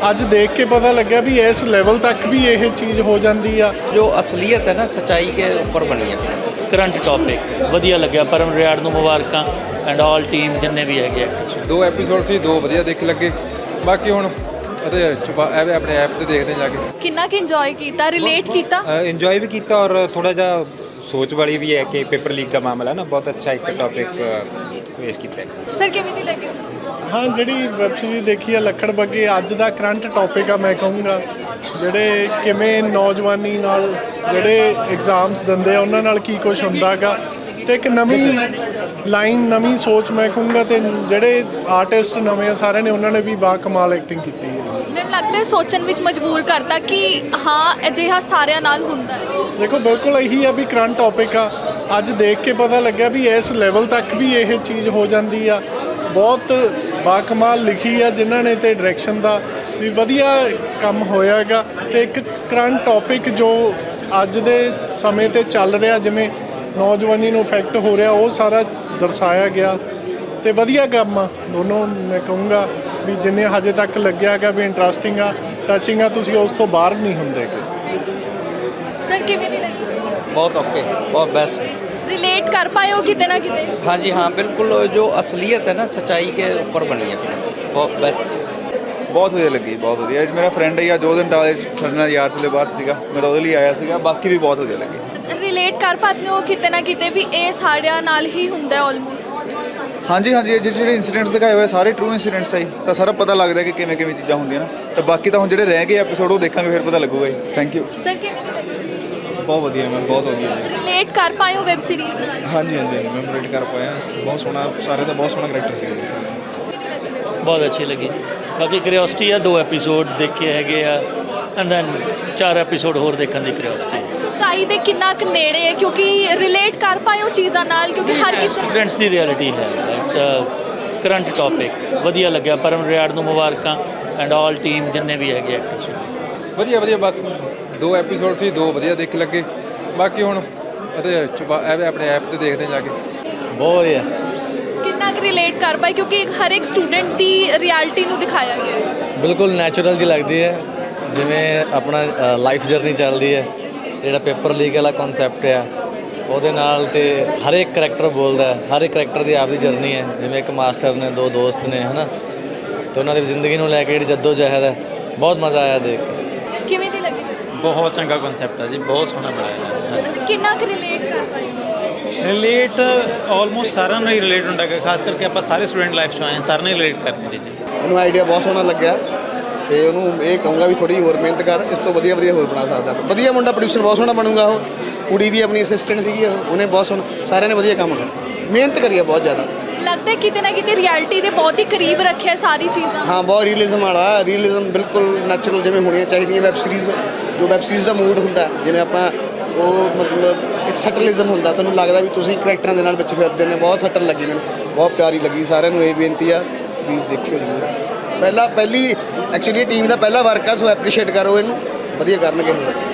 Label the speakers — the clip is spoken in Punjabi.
Speaker 1: ਅੱਜ ਦੇਖ ਕੇ पता लग्या भी इस लेवल तक भी ये चीज़ हो जाती है।
Speaker 2: जो असलियत है ना सच्चाई के ऊपर बनी है।
Speaker 3: करंट टॉपिक वधिया लग्या परम रियाड़ ਨੂੰ ਮੁਬਾਰਕਾਂ ਐਂਡ ਆਲ ਟੀਮ ਜਿੰਨੇ ਵੀ ਹੈਗੇ ਐਕਟਰ।
Speaker 4: 2 ਐਪੀਸੋਡ ਸੀ, 2 ਵਧੀਆ ਦੇਖ ਲੱਗੇ। ਬਾਕੀ ਹੁਣ ਉਹਦੇ ਆਪਣੇ ਐਪ ਤੇ ਦੇਖਦੇ ਜਾ ਕੇ।
Speaker 5: ਕਿੰਨਾ ਕਿ ਇੰਜੋਏ ਕੀਤਾ, ਰਿਲੇਟ ਕੀਤਾ?
Speaker 6: ਇੰਜੋਏ ਵੀ ਕੀਤਾ ਔਰ ਥੋੜਾ ਜਿਹਾ ਸੋਚ ਵਾਲੀ ਵੀ ਹੈ ਕਿ ਪੇਪਰ ਲੀਕ ਦਾ ਮਾਮਲਾ ਨਾ ਬਹੁਤ ਅੱਛਾ ਇੱਕ ਟੌਪਿਕ ਪੇਸ਼ ਕੀਤਾ ਹੈ।
Speaker 5: ਸਰ ਕਿਵੇਂ ਦੀ ਲੱਗੀ?
Speaker 1: हाँ जी वैब सीरीज देखी है लखड़ बग्गे अज का करंट टॉपिक आ। मैं कहूँगा ਜਿਹੜੇ ਕਿਵੇਂ ਨੌਜਵਾਨੀ ਨਾਲ ਜਿਹੜੇ ਐਗਜ਼ਾਮਸ ਦਿੰਦੇ ਆ ਉਹਨਾਂ ਨਾਲ ਕੀ ਕੁਝ ਹੁੰਦਾ ਗਾ ਤੇ ਇੱਕ ਨਵੀਂ ਲਾਈਨ ਨਵੀਂ ਸੋਚ ਮੈਂ ਕਹੂੰਗਾ ਤੇ ਜਿਹੜੇ ਆਰਟਿਸਟ ਨਵੇਂ ਆ ਸਾਰਿਆਂ ਨੇ ਉਹਨਾਂ ਨੇ ਵੀ ਬਾ ਕਮਾਲ ਐਕਟਿੰਗ ਕੀਤੀ ਹੈ।
Speaker 5: ਮੈਨੂੰ ਲੱਗਦਾ ਹੈ ਸੋਚਣ ਵਿੱਚ ਮਜਬੂਰ ਕਰਤਾ ਕਿ ਹਾਂ ਅਜਿਹਾ ਸਾਰਿਆਂ ਨਾਲ ਹੁੰਦਾ ਹੈ।
Speaker 1: ਦੇਖੋ ਬਿਲਕੁਲ ਇਹੀ ਆ ਵੀ ਕਰੰਟ ਟੌਪਿਕ ਆ। ਅੱਜ ਦੇਖ ਕੇ ਪਤਾ ਲੱਗਿਆ ਵੀ ਇਸ ਲੈਵਲ ਤੱਕ ਵੀ ਇਹ ਚੀਜ਼ ਹੋ ਜਾਂਦੀ ਆ। ਬਹੁਤ ਬਾ ਕਮਾਲ ਲਿਖੀ ਆ ਜਿਨ੍ਹਾਂ ਨੇ ਤੇ ਡਾਇਰੈਕਸ਼ਨ ਦਾ ਵੀ ਵਧੀਆ ਕੰਮ ਹੋਇਆ ਹੈਗਾ ਤੇ ਇੱਕ ਕਰੰਟ ਟੌਪਿਕ ਜੋ ਅੱਜ ਦੇ ਸਮੇਂ 'ਤੇ ਚੱਲ ਰਿਹਾ ਜਿਵੇਂ ਨੌਜਵਾਨੀ ਨੂੰ ਇਫੈਕਟ ਹੋ ਰਿਹਾ ਉਹ ਸਾਰਾ ਦਰਸਾਇਆ ਗਿਆ ਤੇ ਵਧੀਆ ਕੰਮ ਆ ਦੋਨੋਂ। ਮੈਂ ਕਹੂੰਗਾ ਵੀ ਜਿੰਨੇ ਹਜੇ ਤੱਕ ਲੱਗਿਆ ਹੈਗਾ ਵੀ ਇੰਟਰਸਟਿੰਗ ਆ, ਟੱਚਿੰਗ ਆ, ਤੁਸੀਂ ਉਸ ਤੋਂ ਬਾਹਰ ਨਹੀਂ ਹੁੰਦੇ।
Speaker 5: ਸਰ ਕਿਵੇਂ ਦੀ ਲੱਗੀ?
Speaker 2: बहुत ओके, बहुत बेस्ट।
Speaker 5: रिलेट कर पाए हो कितने ना कितने?
Speaker 2: हाँ जी हाँ बिल्कुल, जो असलियत है ना सच्चाई के ऊपर बनी है फिल्म, बहुत बेस्ट।
Speaker 4: ਬਹੁਤ ਵਧੀਆ ਲੱਗੀ, ਬਹੁਤ ਵਧੀਆ। ਇਹ ਮੇਰਾ ਫਰੈਂਡ ਹੈ ਜੋ ਦਿਨ ਟਾਲੇ ਸਾਡੇ ਨਾਲ ਯਾਰ ਚਲੇ ਬਾਹਰ ਸੀਗਾ, ਮੈਂ ਤਾਂ ਉਹਦੇ ਲਈ ਆਇਆ ਸੀਗਾ। ਬਾਕੀ ਵੀ ਬਹੁਤ ਵਧੀਆ ਲੱਗੀ।
Speaker 5: ਰਿਲੇਟ ਕਰ ਪਾਤੇ ਹੋ ਕਿਤੇ ਨਾ ਕਿਤੇ ਵੀ ਇਹ ਸਾਰਿਆਂ ਨਾਲ ਹੀ ਹੁੰਦਾ ਹੈ ਆਲਮੋਸਟ?
Speaker 4: ਹਾਂਜੀ ਇਹ ਜਿਹੜੇ ਇਨਸੀਡੈਂਟਸ ਦਿਖਾਏ ਹੋਏ ਸਾਰੇ ਟਰੂ ਇਨਸੀਡੈਂਟਸ ਆ ਜੀ, ਤਾਂ ਸਾਰਾ ਪਤਾ ਲੱਗਦਾ ਕਿ ਕਿਵੇਂ ਕਿਵੇਂ ਚੀਜ਼ਾਂ ਹੁੰਦੀਆਂ ਨਾ। ਤਾਂ ਬਾਕੀ ਤਾਂ ਹੁਣ ਜਿਹੜੇ ਰਹਿ ਗਏ ਐਪੀਸੋਡ ਉਹ ਦੇਖਾਂਗੇ ਫਿਰ ਪਤਾ ਲੱਗੂਗਾ ਜੀ। Thank you.
Speaker 5: ਸਰ ਕਿਵੇਂ ਦੀ ਲੱਗੀ?
Speaker 7: ਬਹੁਤ ਵਧੀਆ ਮੈਮ, ਬਹੁਤ ਵਧੀਆ।
Speaker 5: ਰਿਲੇਟ ਕਰ ਪਾਏ ਹੋ ਵੈਬ ਸੀਰੀਜ਼ ਨਾਲ?
Speaker 7: ਹਾਂਜੀ ਮੈਂ ਰਿਲੇਟ ਕਰ ਪਾਇਆ। ਬਹੁਤ ਸੋਹਣਾ, ਸਾਰੇ ਦਾ ਬਹੁਤ ਸੋਹਣਾ ਕਰੈਕਟਰ ਸੀ ਜੀ ਸਾਰੇ।
Speaker 3: ਬਹੁਤ ਅੱਛੀ ਲੱਗੀ। ਬਾਕੀ ਕਿਉਰਿਓਸਿਟੀ ਆ 2 ਐਪੀਸੋਡ ਦੇਖੇ ਹੈਗੇ ਆ ਐਂਡ ਦੈਨ 4 ਐਪੀਸੋਡ ਹੋਰ ਦੇਖਣ ਦੀ ਕਿਉਰਿਓਸਿਟੀ।
Speaker 5: ਸੱਚਾਈ ਦੇ ਕਿੰਨਾ ਕੁ ਨੇੜੇ ਹੈ ਕਿਉਂਕਿ ਰਿਲੇਟ ਕਰ ਪਾਏ ਹੋ ਚੀਜ਼ਾਂ ਨਾਲ ਕਿਉਂਕਿ ਹਰ ਕਿਸੇ
Speaker 3: ਸਟੂਡੈਂਟਸ ਦੀ ਰਿਐਲਿਟੀ ਹੈ। ਇਟਸ ਅ ਕਰੰਟ ਟੌਪਿਕ ਵਧੀਆ ਲੱਗਿਆ परम ਰਿਆੜ ਨੂੰ ਮੁਬਾਰਕਾਂ ਐਂਡ ਆਲ ਟੀਮ ਜਿੰਨੇ ਵੀ ਹੈਗੇ ਐਕਟਰ।
Speaker 4: ਵਧੀਆ ਬਸ 2 ਐਪੀਸੋਡ ਸੀ, 2 ਵਧੀਆ ਦੇਖ ਲੱਗੇ। ਬਾਕੀ ਹੁਣ ਉਹਦੇ ਆਪਣੇ ਐਪ ਤੇ ਦੇਖਦੇ ਜਾ ਕੇ।
Speaker 3: ਬਹੁਤ ਵਧੀਆ।
Speaker 5: ਕਿੰਨਾ ਕੁ ਰਿਲੇਟ ਕਰ ਪਾਏ ਕਿਉਂਕਿ ਹਰ ਇੱਕ ਸਟੂਡੈਂਟ ਦੀ ਰਿਐਲਿਟੀ ਨੂੰ ਦਿਖਾਇਆ ਗਿਆ ਹੈ।
Speaker 8: ਬਿਲਕੁਲ ਨੈਚੁਰਲ ਜੀ ਲੱਗਦੀ ਹੈ ਜਿਵੇਂ ਆਪਣਾ ਲਾਈਫ ਜਰਨੀ ਚੱਲਦੀ ਹੈ। ਜਿਹੜਾ ਪੇਪਰ ਲੀਕ ਵਾਲਾ ਕਨਸੈਪਟ ਆ ਉਹਦੇ ਨਾਲ ਤੇ ਹਰ ਇੱਕ ਕਰੈਕਟਰ ਬੋਲਦਾ ਹੈ, ਹਰ ਇੱਕ ਕਰੈਕਟਰ ਦੀ ਆਪਦੀ ਜਰਨੀ ਹੈ। ਜਿਵੇਂ ਇੱਕ ਮਾਸਟਰ ਨੇ 2 ਦੋਸਤ ਨੇ ਹੈ ਨਾ, ਤੇ ਉਹਨਾਂ ਦੀ ਜ਼ਿੰਦਗੀ ਨੂੰ ਲੈ ਕੇ ਜਿਹੜੀ ਜੱਦੋ ਜਹਿਦ ਹੈ, ਬਹੁਤ ਮਜ਼ਾ ਆਇਆ ਦੇਖ ਕੇ।
Speaker 5: ਕਿਵੇਂ ਦੀ ਲੱਗੀ?
Speaker 6: ਬਹੁਤ ਚੰਗਾ ਕਨਸੈਪਟ ਹੈ ਜੀ, ਬਹੁਤ ਸੋਹਣਾ ਬਣਾਇਆ ਹੈ।
Speaker 5: ਅੱਛਾ ਕਿੰਨਾ ਕੁ ਰਿਲੇਟ ਕਰ ਪਾਏ?
Speaker 6: ਰਿਲੇਟ ਆਲਮੋਸਟ ਸਾਰਿਆਂ ਨਾਲ ਹੀ ਰਿਲੇਟ ਹੁੰਦਾ ਹੈ, ਖਾਸ ਕਰਕੇ ਆਪਾਂ ਸਾਰੇ ਸਟੂਡੈਂਟ ਲਾਈਫ 'ਚ ਆਏ ਹਾਂ, ਸਾਰਿਆਂ ਨਾਲ ਰਿਲੇਟ ਕਰਨੀ ਚੀਜ਼ਾਂ।
Speaker 9: ਮੈਨੂੰ ਆਈਡੀਆ ਬਹੁਤ ਸੋਹਣਾ ਲੱਗਿਆ ਤੇ ਉਹਨੂੰ ਇਹ ਕਹੂੰਗਾ ਵੀ ਥੋੜੀ ਹੋਰ ਮਿਹਨਤ ਕਰ, ਇਸ ਤੋਂ ਵਧੀਆ ਹੋਰ ਬਣਾ ਸਕਦਾ। ਵਧੀਆ ਮੁੰਡਾ, ਪ੍ਰੋਡਿਊਸਰ ਬਹੁਤ ਸੋਹਣਾ ਬਣੂਗਾ। ਉਹ ਕੁੜੀ ਵੀ ਆਪਣੀ ਅਸਿਸਟੈਂਟ ਸੀਗੀ, ਉਹਨੇ ਬਹੁਤ ਸੋਹਣਾ, ਸਾਰਿਆਂ ਨੇ ਵਧੀਆ ਕੰਮ ਕਰਿਆ, ਮਿਹਨਤ ਕਰੀ ਆ ਬਹੁਤ ਜ਼ਿਆਦਾ।
Speaker 5: ਲੱਗਦਾ ਕਿਤੇ ਨਾ ਕਿਤੇ ਰਿਐਲਿਟੀ ਦੇ ਬਹੁਤ ਹੀ ਕਰੀਬ ਰੱਖਿਆ ਸਾਰੀ ਚੀਜ਼ਾਂ।
Speaker 9: ਹਾਂ ਬਹੁਤ ਰੀਅਲਿਜ਼ਮ ਵਾਲਾ, ਰੀਅਲਿਜ਼ਮ ਬਿਲਕੁਲ ਨੈਚੁਰਲ ਜਿਵੇਂ ਹੋਣੀਆਂ ਚਾਹੀਦੀਆਂ ਵੈਬ ਸੀਰੀਜ਼। ਜੋ ਵੈਬ ਸੀਰੀਜ਼ ਦਾ ਮੂਡ ਹੁੰਦਾ ਜਿਵੇਂ ਆਪਾਂ ਉਹ ਮਤਲਬ ਇੱਕ ਸਟਲਿਜ਼ਮ ਹੁੰਦਾ, ਤੁਹਾਨੂੰ ਲੱਗਦਾ ਵੀ ਤੁਸੀਂ ਕਰੈਕਟਰਾਂ ਦੇ ਨਾਲ ਵਿੱਚ ਫਿਰਦੇ ਨੇ। ਬਹੁਤ ਸਟਲ ਲੱਗੀ ਮੈਨੂੰ, ਬਹੁਤ ਪਿਆਰੀ ਲੱਗੀ। ਸਾਰਿਆਂ ਨੂੰ ਇਹ ਬੇਨਤੀ ਆ ਵੀ ਦੇਖਿਓ ਜ਼ਰੂਰ। ਪਹਿਲੀ ਐਕਚੁਅਲੀ ਟੀਮ ਦਾ ਪਹਿਲਾ ਵਰਕ ਆ, ਸੋ ਐਪਰੀਸ਼ੀਏਟ ਕਰੋ ਇਹਨੂੰ, ਵਧੀਆ ਕਰਨਗੇ।